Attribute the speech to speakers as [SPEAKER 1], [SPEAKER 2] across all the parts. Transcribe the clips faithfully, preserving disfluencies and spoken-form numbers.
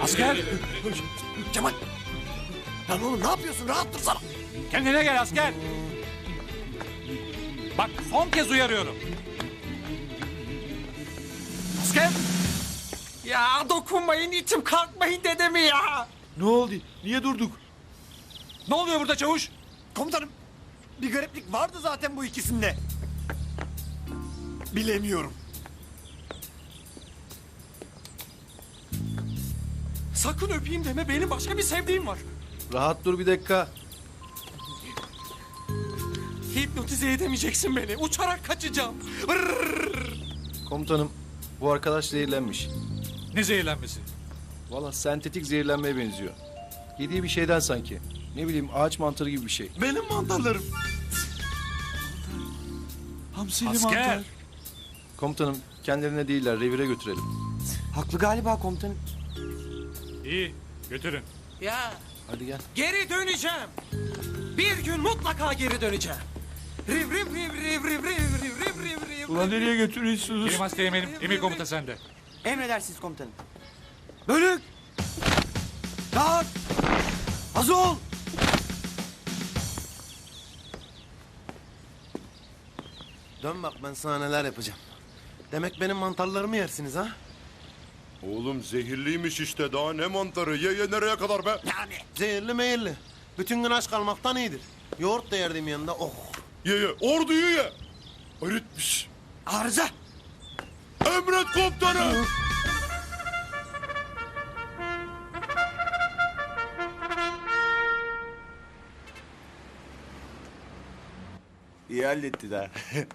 [SPEAKER 1] Asker!
[SPEAKER 2] Cemal! Lan oğlum ne yapıyorsun? Rahat dursana.
[SPEAKER 1] Kendine gel asker! Bak son kez uyarıyorum. Asker!
[SPEAKER 2] Ya dokunmayın, içim kalkmayın dedemi ya.
[SPEAKER 3] Ne oldu? Niye durduk?
[SPEAKER 1] Ne oluyor burada çavuş?
[SPEAKER 2] Komutanım, bir gariplik vardı zaten bu ikisinde. Bilemiyorum.
[SPEAKER 4] Sakın öpeyim deme, benim başka bir sevdiğim var.
[SPEAKER 3] Rahat dur bir dakika.
[SPEAKER 4] Hipnotize edemeyeceksin beni. Uçarak kaçacağım. Vırrrr.
[SPEAKER 3] Komutanım, bu arkadaş zehirlenmiş.
[SPEAKER 1] Ne zehirlenmesi?
[SPEAKER 3] Valla sentetik zehirlenmeye benziyor. Yediği bir şeyden sanki. Ne bileyim ağaç mantarı gibi bir şey.
[SPEAKER 5] Benim mantarlarım. Hamsili
[SPEAKER 1] Asker!
[SPEAKER 5] mantar.
[SPEAKER 3] Komutanım, kendilerine değiller, revire götürelim.
[SPEAKER 2] Haklı galiba komutanım.
[SPEAKER 1] İyi, götürün.
[SPEAKER 4] Ya
[SPEAKER 3] Hadi gel.
[SPEAKER 4] geri döneceğim. Bir gün mutlaka geri döneceğim. Riv riv riv riv riv riv riv riv riv riv.
[SPEAKER 5] Ulan nereye götürüyorsunuz?
[SPEAKER 1] Kerim Asteğmen'im, emir komuta sende.
[SPEAKER 2] Emredersiniz komutanım. Bölük! Dağıt! Hazır ol!
[SPEAKER 6] Dön bak ben sana neler yapacağım. Demek benim mantarlarımı yersiniz ha?
[SPEAKER 7] Oğlum zehirliymiş işte, daha ne mantarı, ye ye nereye kadar be?
[SPEAKER 6] Yani. Zehirli meyilli. Bütün gün aç kalmaktan iyidir. Yoğurt da yerdim yanında, oh.
[SPEAKER 7] Ye ye, orduyu ye. Öğretmiş.
[SPEAKER 2] Arıza!
[SPEAKER 7] Emret komutanım.
[SPEAKER 6] İyi halletti daha.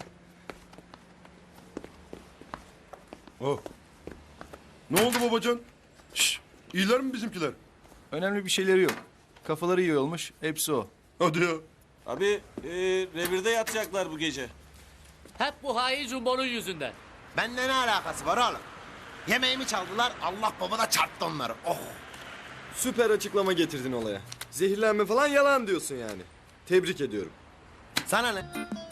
[SPEAKER 7] Oh. Ne oldu babacan? Şş, iyiler mi bizimkiler?
[SPEAKER 3] Önemli bir şeyleri yok. Kafaları iyi olmuş, hepsi o.
[SPEAKER 7] Hadi ya.
[SPEAKER 8] Abi e, revirde yatacaklar bu gece.
[SPEAKER 9] Hep bu hain Jumbo'nun yüzünden.
[SPEAKER 6] Bende ne alakası var oğlum? Yemeğimi çaldılar, Allah baba da çarptı onları, oh.
[SPEAKER 10] Süper açıklama getirdin olaya. Zehirlenme falan yalan diyorsun yani. Tebrik ediyorum.
[SPEAKER 6] Sana ne?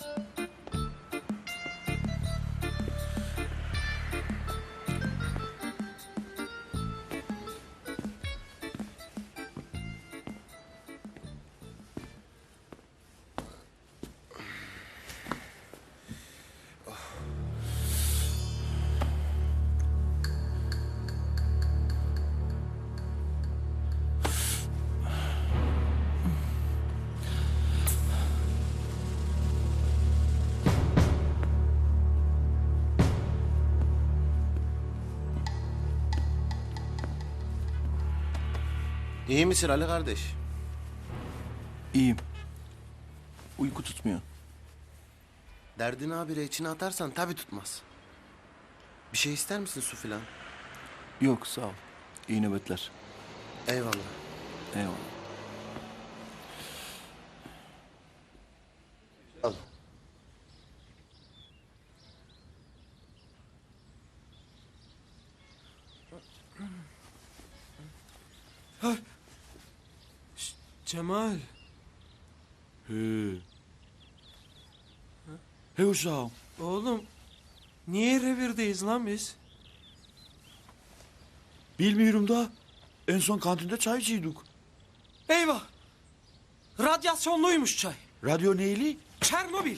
[SPEAKER 6] İyi misin Ali kardeş?
[SPEAKER 3] İyiyim. Uyku tutmuyor.
[SPEAKER 6] Derdini habire içine atarsan tabii tutmaz. Bir şey ister misin, su filan?
[SPEAKER 3] Yok, sağ ol. İyi nöbetler.
[SPEAKER 6] Eyvallah.
[SPEAKER 3] Eyvallah.
[SPEAKER 6] Al.
[SPEAKER 4] Cemal.
[SPEAKER 5] He. He uşağım.
[SPEAKER 4] Oğlum niye revirdeyiz lan biz?
[SPEAKER 5] Bilmiyorum da en son kantinde çay içiyorduk.
[SPEAKER 4] Eyvah. Radyasyonluymuş çay.
[SPEAKER 5] Radyo neyli?
[SPEAKER 4] Çernobil.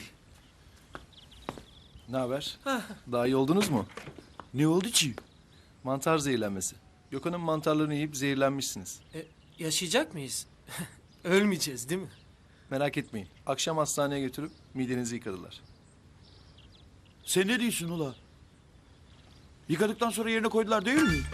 [SPEAKER 3] Ne haber? Daha iyi oldunuz mu?
[SPEAKER 5] Ne oldu ki?
[SPEAKER 3] Mantar zehirlenmesi. Gökhan'ın mantarlarını yiyip zehirlenmişsiniz.
[SPEAKER 4] E, yaşayacak mıyız? Ölmeyeceğiz değil mi?
[SPEAKER 3] Merak etmeyin. Akşam hastaneye götürüp midenizi yıkadılar.
[SPEAKER 5] Sen ne diyorsun ula? Yıkadıktan sonra yerine koydular değil mi?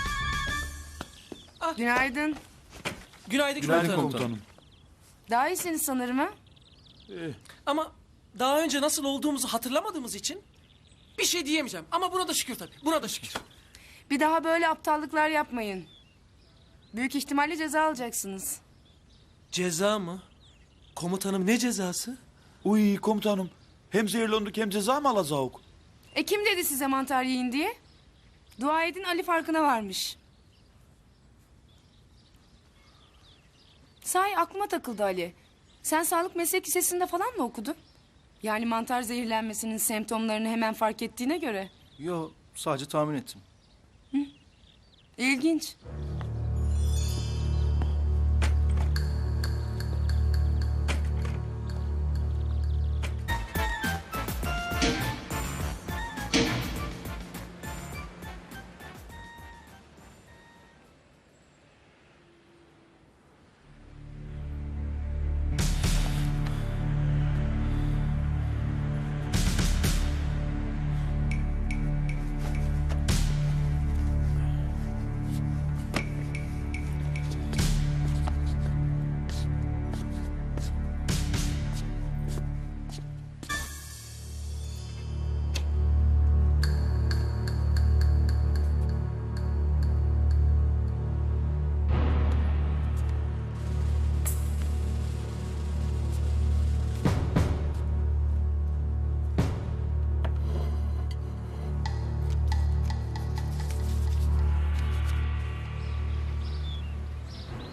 [SPEAKER 11] Günaydın.
[SPEAKER 4] Günaydın,
[SPEAKER 3] Günaydın
[SPEAKER 4] komutanım.
[SPEAKER 3] komutanım.
[SPEAKER 11] Daha iyisiniz sanırım ha?
[SPEAKER 4] Ama daha önce nasıl olduğumuzu hatırlamadığımız için bir şey diyemeyeceğim. Ama buna da şükür tabii. Buna da şükür.
[SPEAKER 11] Bir daha böyle aptallıklar yapmayın. Büyük ihtimalle ceza alacaksınız.
[SPEAKER 4] Ceza mı? Komutanım ne cezası?
[SPEAKER 5] Uy komutanım. Hem zehirlendik hem ceza mı alacağız?
[SPEAKER 11] E kim dedi size mantar yiyin diye? Dua edin Ali farkına varmış. Sahi aklıma takıldı Ali. Sen sağlık meslek lisesinde falan mı okudun? Yani mantar zehirlenmesinin semptomlarını hemen fark ettiğine göre.
[SPEAKER 3] Yo, sadece tahmin ettim.
[SPEAKER 11] İlginç.